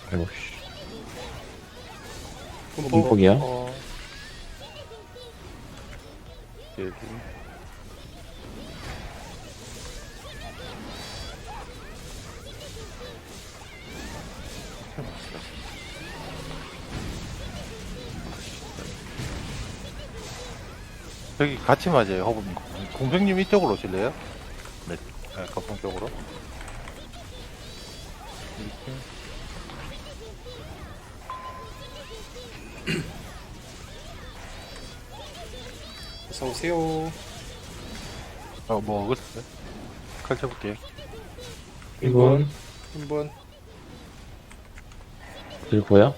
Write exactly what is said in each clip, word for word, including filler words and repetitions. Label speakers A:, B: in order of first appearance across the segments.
A: 아이고 씨.
B: 분포.
A: 분폭이요?
C: 어. 여기. 저기 같이 맞아요, 허브님. 공생님 이쪽으로 오실래요? 네, 네 거품 쪽으로. 이렇게.
B: 어서 오세요.
C: 어, 뭐, 어딨어요? 칼 쳐볼게요.
A: 이건
B: 한번
A: 들고요.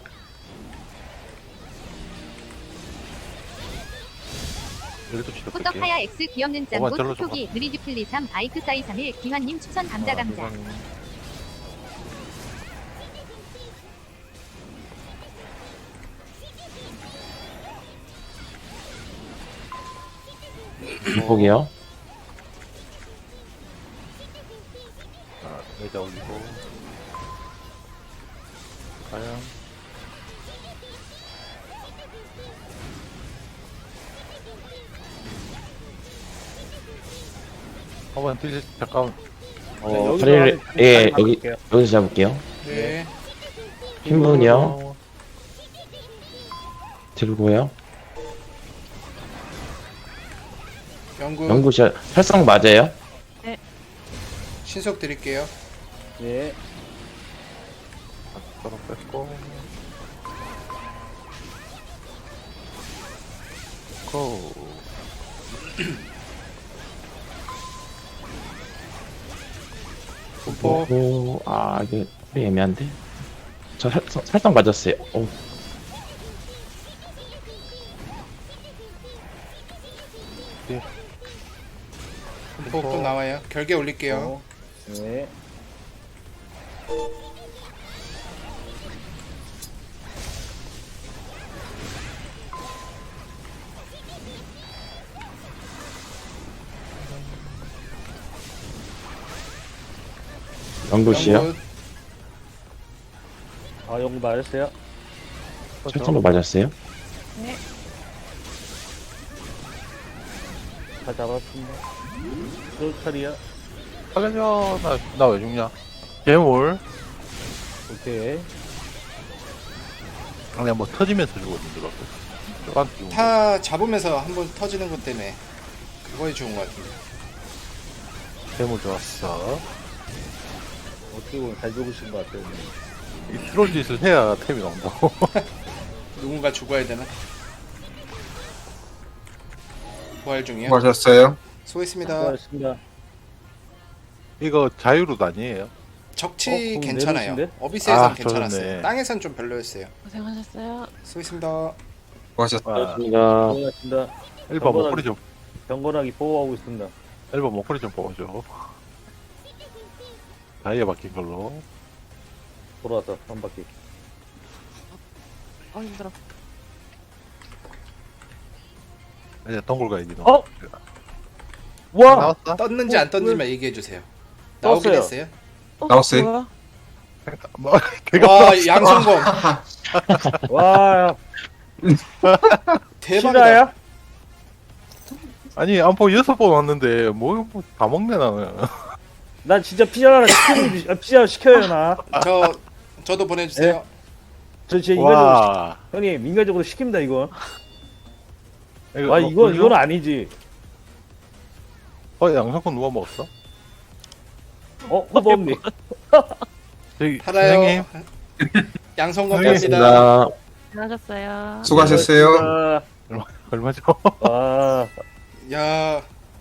C: 여기도 치러
D: 호떡
C: 볼게요.
D: 하야 X 귀엽는
C: 어머,
D: 짱구
C: 절로
D: 톡톡이 느리듀플리 삼 아이크 사이 삼 일 기환님 추천 감자 감자.
A: 분폭이요.
C: 아, 내자 올리고. 과연. 한번 딜, 잠깐.
A: 어, 다리를 예 여기 여기서 잡을게요.
B: 네.
A: 흰분이요. 들고요.
B: 연구
A: 연구시 활성 맞아요?
B: 신속 드릴게요.
E: 예.
C: 서로 뺐고. 고.
B: 분포.
A: 오, 아 이게 좀 애매한데. 저 살, 살짝 맞았어요. 오,
B: 분포 또 나와요. 결계 올릴게요.
E: 어. 예.
A: 연구시요.
B: 연구
E: 아, 연구 맞았어요?
A: 살짝만 맞았어요.
E: 다 잡았습니다. 쫄탈이야.
C: 살려줘. 나, 나 왜 죽냐? 괴물.
E: 오케이.
C: 그냥 뭐 터지면서 죽었는데, 막. 저한테 죽은 거.
B: 타 잡으면서 한번 터지는 것 때문에 그거에 좋은 것 같은데.
C: 괴물 좋았어.
E: 어떻게 보면 잘 죽으신 것 같아요.
C: 이 트롤 짓을 해야 템이 나온다고.
B: 누군가 죽어야 되나? 부활 중이요.
F: 수고하셨어요.
B: 수고했습니다.
E: 수고하셨습니다.
C: 이거 자유로 아니에요?
B: 적치
E: 어, 그럼
B: 괜찮아요.
E: 내리신데?
B: 어비스에선
C: 아,
B: 괜찮았어요.
C: 좋네.
B: 땅에선 좀 별로였어요.
G: 고생하셨어요.
B: 수고했습니다.
F: 수고하셨어요.
C: 아,
A: 맞습니다.
E: 수고하셨습니다.
C: 일 번 목걸이 좀,
E: 경건하게 보호하고 있습니다.
C: 일 번 목걸이 좀 뽑아줘. 다이아 바뀐 걸로.
E: 돌아왔다, 한 바퀴.
G: 어 힘들어.
C: 이제 동굴 가야지. 너.
E: 어? 와!
C: 나왔다?
B: 떴는지
E: 어,
B: 안 떴는지만 얘기해 주세요. 나오긴
E: 떴어요.
B: 했어요.
G: 어,
F: 나왔어요?
G: 뭐야?
C: 뭐, 걔가
B: 와 양성검
E: 와,
B: 대박이다.
E: 실화야?
C: 아니, 안포 여섯 번 왔는데, 뭐, 뭐, 다 먹네, 나는.
E: 난 진짜 피자 하나 시키는, 아, 피자 시켜요, 나.
B: 저 저도 보내주세요.
E: 저 진짜 인간적으로,
C: 와.
E: 시, 형님, 인간적으로 시킵니다, 이거.
C: 이거,
E: 와,
C: 뭐,
E: 이건,
C: 굴려?
E: 이건 아니지.
C: 어, 양성권 누가 먹었어?
E: 어, 허범님.
C: 저기,
B: 팔아요.
C: 선생님.
B: 양성검
C: 네.
B: 갑니다.
G: 고생하셨어요.
F: 수고하셨어요.
E: 아,
C: 얼마죠?
E: 아,
B: 야,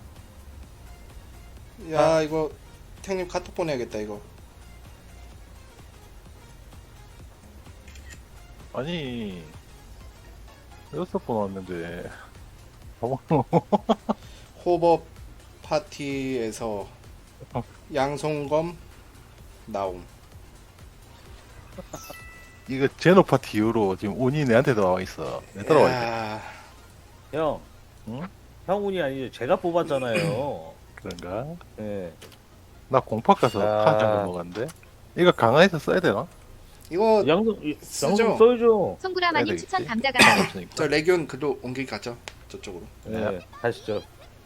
B: 야
C: 아.
B: 이거 형님 카톡 보내야겠다 이거.
C: 아니, 여섯 번 왔는데, 다 먹노?
B: 호법 파티에서 양성검 나옴.
C: 이거 제노 파티 이후로 지금 운이 내한테 들어와 있어. 내 따라와 있어.
B: 야,
E: 형.
C: 응?
E: 형운이 아니죠. 제가 뽑았잖아요.
C: 그런가?
E: 예.
C: 나 공팍 가서
E: 아.
C: 한 장을 먹었는데? 이거 강화해서 써야 되나?
B: 이거
E: 양성 이-
B: 쓰죠?
E: 양성 써야죠.
D: 송구라마님
C: 되겠지?
D: 추천 감자감사.
C: 없으니까.
B: 저 레기온 그도 옮기기 가죠. 저쪽으로.
E: 네, 가시죠.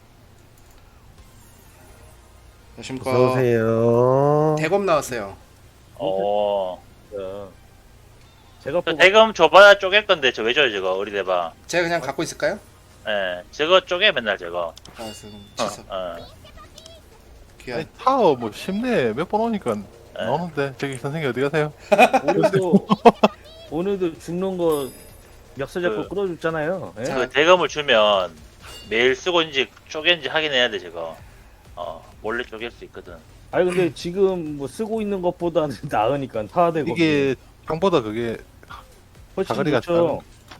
B: 안녕하십니까.
F: 어서오세요.
B: 대검 나왔어요.
H: 어.
E: 자, 제가
H: 저
E: 뽑아.
H: 대금 줘봐야 쪼갤 건데 저 왜 줘요 저거 어리대봐.
B: 제가 그냥 갖고 있을까요?
H: 예, 저거 쪼개 맨날 저거.
B: 알았어. 그럼
H: 어,
B: 취소.
H: 어.
B: 귀한.
C: 아니, 타워 뭐 쉽네. 몇 번 오니까
H: 예.
C: 나오는데. 저기 선생님 어디 가세요?
E: 오늘도 오늘도 죽는 거 멱살 잡고
H: 그-
E: 끌어줬잖아요. 예?
B: 자,
H: 그 대금을 주면 매일 쓰고인지 쪼갠지 확인해야 돼 저거. 어, 몰래 쪼갤 수 있거든.
E: 아니 근데 지금 뭐 쓰고 있는 것보다는 나으니까 타되고
C: 이게 향보다 그게
E: 훨씬
C: 사거리가
E: 좋죠.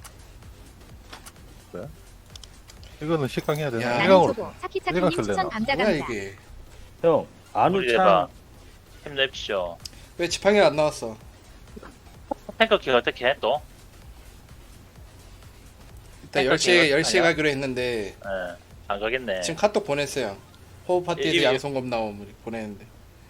C: 이거는 식강해야 되나?
B: 야.
D: 나는
C: 일강으로.
D: 초보.
C: 일강
D: 사키차키님
C: 쓸래나?
D: 추천
B: 뭐야
D: 감자감사.
B: 이게?
E: 형
H: 우리대봐.
E: 안우창
H: 힘내십시오.
B: 왜 지팡이 안 나왔어?
H: 탱커 키 어떻게 해 또?
B: 일단
H: 탱커
B: 열 시에
H: 기회가
B: 열 시에
H: 아니야?
B: 가기로 했는데
H: 예, 안 가겠네.
B: 지금 카톡 보냈어요. 호흡 파티에서
H: 이- 이-
B: 양손검 나옴 보냈는데.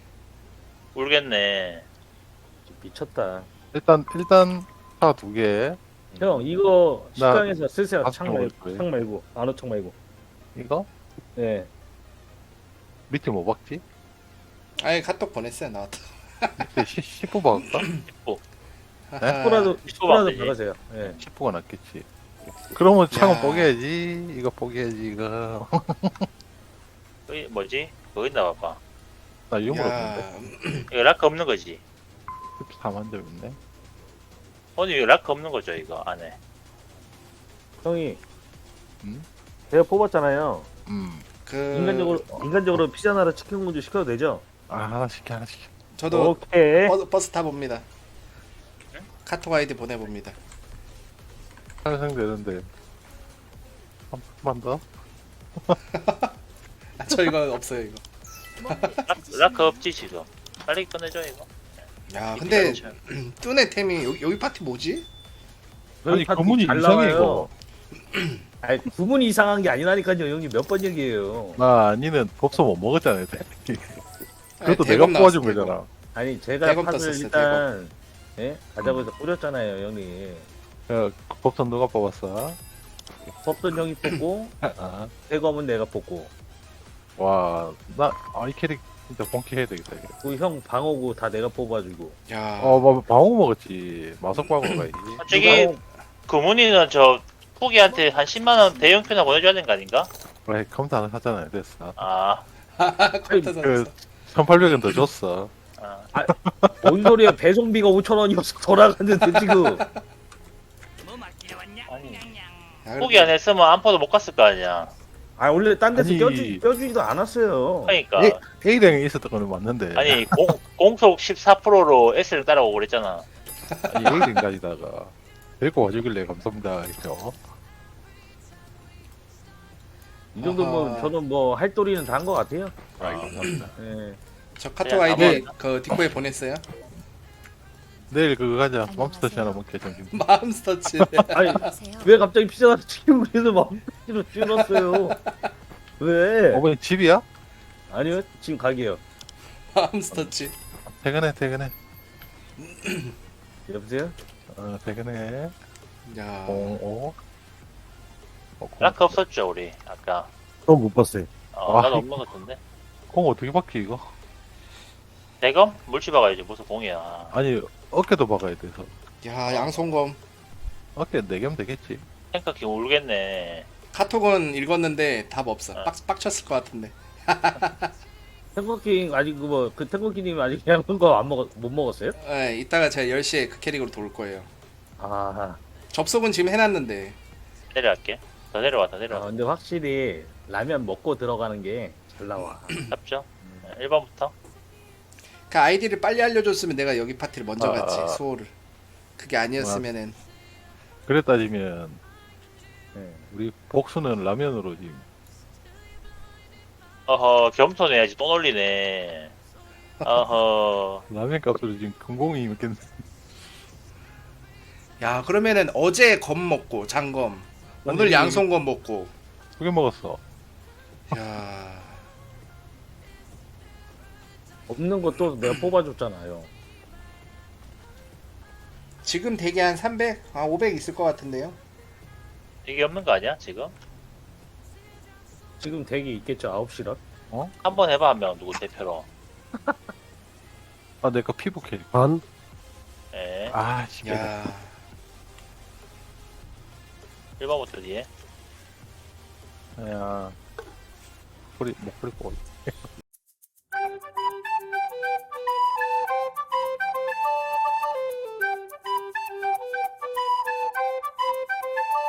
H: 울겠네.
E: 미쳤다.
C: 일단 일단 타 두 개.
E: 형 이거
C: 나-
E: 식당에서 쓰세요.
C: 아,
E: 창
C: 그럼
E: 말고
C: 그래.
E: 창 말고 안우창 말고.
C: 이거
E: 예.
C: 밑에 뭐 박지?
B: 아니 카톡 보냈어요. 나왔다.
C: 밑에 십부 박을까?
B: 하하.
E: 십부라도
H: 십부
E: 십부라도
H: 되지.
E: 박으세요. 예.
C: 십부가 낫겠지. 그러면 창은
B: 야.
C: 뽀개야지. 이거 뽀개야지 이거.
H: 거기 뭐지? 거기 나와봐.
C: 나 유물 없는데.
B: 야,
H: 이거 락크 없는 거지.
C: 십사만 점 있네.
H: 오늘 이거 락크 없는 거죠 이거 안에.
E: 형이
C: 음?
E: 제가 뽑았잖아요.
C: 음.
B: 그
E: 인간적으로 인간적으로 피자 나라 치킨 공주 시켜도 되죠?
C: 아 하나씩 해, 하나씩.
B: 저도
E: 오케이.
B: 버스, 버스 타봅니다. 카톡 아이디 보내봅니다.
C: 탄생되는데 한 번만 더.
B: 아, 저 이거 없어요 이거.
H: 락크, 락크 없지 지금. 빨리 꺼내줘 이거.
B: 야 근데
H: 이렇게
B: 뚜네 템이 여기, 여기 파티 뭐지?
C: 아니,
E: 파티
C: 구문이
E: 잘
C: 이상해,
E: 나와요. 아니 구문이 이상한 게 아니라니까요. 형님 몇 번 얘기해요.
C: 나 니는 법서 못 먹었잖아요.
B: 아니,
C: 그것도
B: 대검
C: 내가 뽑아준
B: 나왔어, 대검.
C: 거잖아.
E: 아니 제가
B: 대검
E: 팥을
B: 떴었어요,
E: 일단 예? 가자고 해서 뿌렸잖아요, 형님.
C: 야, 법선 누가 뽑았어?
E: 법선 형이 뽑고
C: 아,
E: 대검은 내가 뽑고
C: 와, 나, 아, 이 캐릭 진짜 본캐해야 되겠다, 이거.
E: 그 형 방어구 다 내가 뽑아주고.
B: 야,
C: 어, 뭐, 방어 먹었지. 마석 방어 가야지.
H: 저기 금훈이는 저 후기한테 한 십만 원 대형표나 보내줘야 되는 거 아닌가?
C: 그래, 컴퓨터 하나 샀잖아요. 됐어.
H: 아,
B: 컴퓨터
C: 그,
B: 샀어.
C: 천팔백 원 더 줬어.
H: 아.
E: 뭔 소리야? 배송비가 오천 원이어서 돌아갔는데 지금.
H: 아니
B: 야,
H: 후기 안 했으면 안포도 못 갔을 거 아니야.
E: 아 원래 딴 데서
C: 아니.
E: 껴주, 껴주지도 않았어요.
H: 그러니까
C: 에, A랭에 있었던 거는 맞는데.
H: 아니 공, 공속 십사 퍼센트로 S를 따라오고 그랬잖아.
C: 아니, A랭까지다가. 데리고 와주길래 감사합니다. 이렇게. 어?
E: 이 정도면
B: 아하.
E: 저는 뭐 할 도리는 다 한 것 같아요.
C: 아, 감사합니다.
E: 예.
B: 저 카톡
H: 그냥
B: 아이디
H: 아무-
B: 그 뒷코에 보냈어요.
C: 내일 그거 가자. 맘스터치 하나 먹게, 점심.
B: 마음스터치.
E: 아니 왜 갑자기 피자가 치킨 그래서 마음대로 줄었어요? 왜?
C: 어머니 집이야?
E: 아니요 지금 가게요.
B: 마음스터치.
C: 퇴근해, 퇴근해.
E: 여보세요?
C: 어, 퇴근해.
B: 야,
C: 공, 오. 어, 공,
H: 락크 없었죠 우리 아까.
F: 또 못 봤어요.
H: 어,
C: 아,
H: 나도 없는 것 같은데.
C: 공 어떻게 박히, 이거?
H: 대검? 물치 박아야지 무슨 공이야.
C: 아니, 어깨도 박아야 돼서.
B: 야 양손검.
C: 어깨 네 개면 되겠지.
H: 탱커 키 울겠네.
B: 카톡은 읽었는데 답 없어.
H: 어.
B: 빡 빡쳤을 것 같은데.
E: 탱커킹 아직 그뭐그 탱커킹님 아직 그냥 거 안 먹었 못 먹었어요?
B: 네, 이따가 제가 열 시에 그 캐릭으로 돌 거예요.
E: 아,
B: 접속은 지금 해놨는데.
H: 내려갈게. 더 내려와 더
E: 아
H: 내려와.
E: 근데 확실히 라면 먹고 들어가는 게 잘 나와.
H: 잡죠. 일 번부터.
B: 그 아이디를 빨리 알려줬으면 내가 여기 파티를 먼저
C: 아.
B: 갔지. 수호를. 그게 아니었으면은.
C: 그래 따지면,
E: 예.
C: 우리 복수는 라면으로 지금.
H: 어허 겸손해야지 또 놀리네. 어허.
C: 라면 값으로 지금 금공이 있겠네.
B: 야 그러면은 어제 검 먹고 장검. 오늘
C: 아니,
B: 양손검 먹고.
C: 두 개 먹었어.
B: 야.
E: 없는 것도 내가 뽑아줬잖아요.
B: 지금 대기 한 삼백? 아 오백 있을 것 같은데요.
H: 이게 없는 거 아니야 지금?
E: 지금 대기 있겠죠 아홉 시라.
H: 한번 해봐 한 명 누구 대표로.
C: 아, 내 거 피부 캐릭.
F: 반.
H: 예.
C: 아, 씨.
B: 야
H: 일 번부터 뒤에.
C: 야. 목소리, 목소리 꼬리.